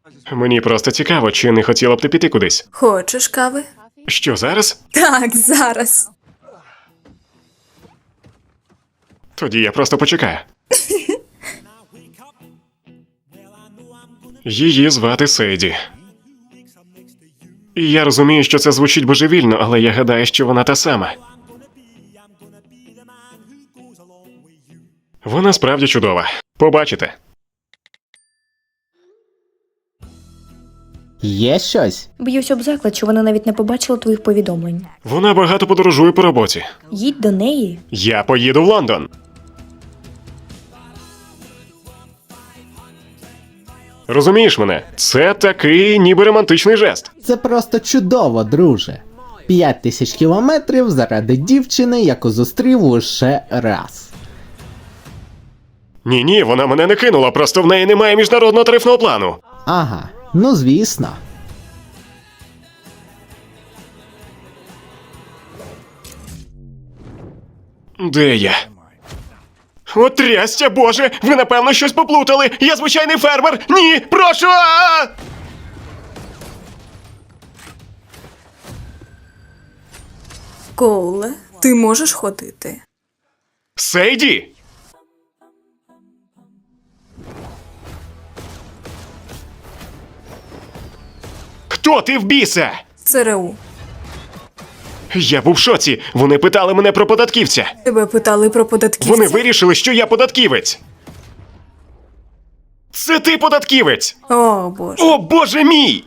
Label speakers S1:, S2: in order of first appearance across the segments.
S1: Мені просто цікаво, чи не хотіла б ти піти кудись.
S2: Хочеш кави?
S1: Що, зараз?
S2: Так, зараз.
S1: Тоді я просто почекаю. Її звати Сейді. І я розумію, що це звучить божевільно, але я гадаю, що вона та сама. Вона справді чудова. Побачите.
S3: Є щось?
S4: Б'юсь об заклад, що вона навіть не побачила твоїх повідомлень.
S1: Вона багато подорожує по роботі.
S4: Їдь до неї.
S1: Я поїду в Лондон. Розумієш мене? Це такий ніби романтичний жест.
S3: Це просто чудово, друже. 5000 кілометрів заради дівчини, яку зустрів лише раз.
S1: Ні, вона мене не кинула, просто в неї немає міжнародного тарифного плану.
S3: Ага, ну звісно.
S1: Де я? От трястя, боже! Ви напевно щось поплутали! Я звичайний фермер! Ні! Прошу!
S2: Коуле, ти можеш ходити?
S1: Сейді! Хто ти в біса?
S2: ЦРУ.
S1: Я був в шоці. Вони питали мене про податківця.
S2: Тебе питали про податківця?
S1: Вони вирішили, що я податківець. Це ти податківець!
S2: О, Боже.
S1: О, боже мій!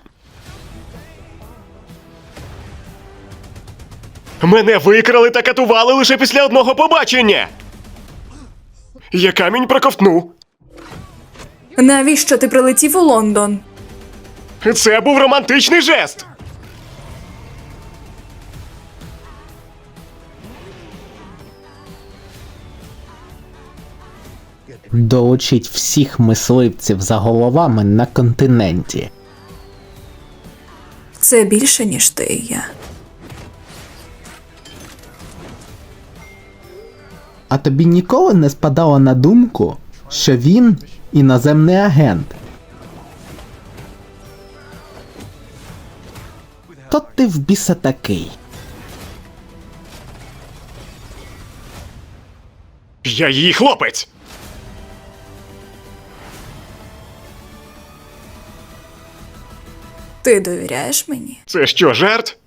S1: Мене викрали та катували лише після одного побачення. Я камінь проковтну.
S2: Навіщо ти прилетів у Лондон?
S1: Це був романтичний жест.
S3: Долучіть всіх мисливців за головами на континенті.
S2: Це більше, ніж ти і я.
S3: А тобі ніколи не спадало на думку, що він іноземний агент? То ти в біса такий.
S1: Я її хлопець.
S2: Ти довіряєш мені?
S1: Це що, жарт?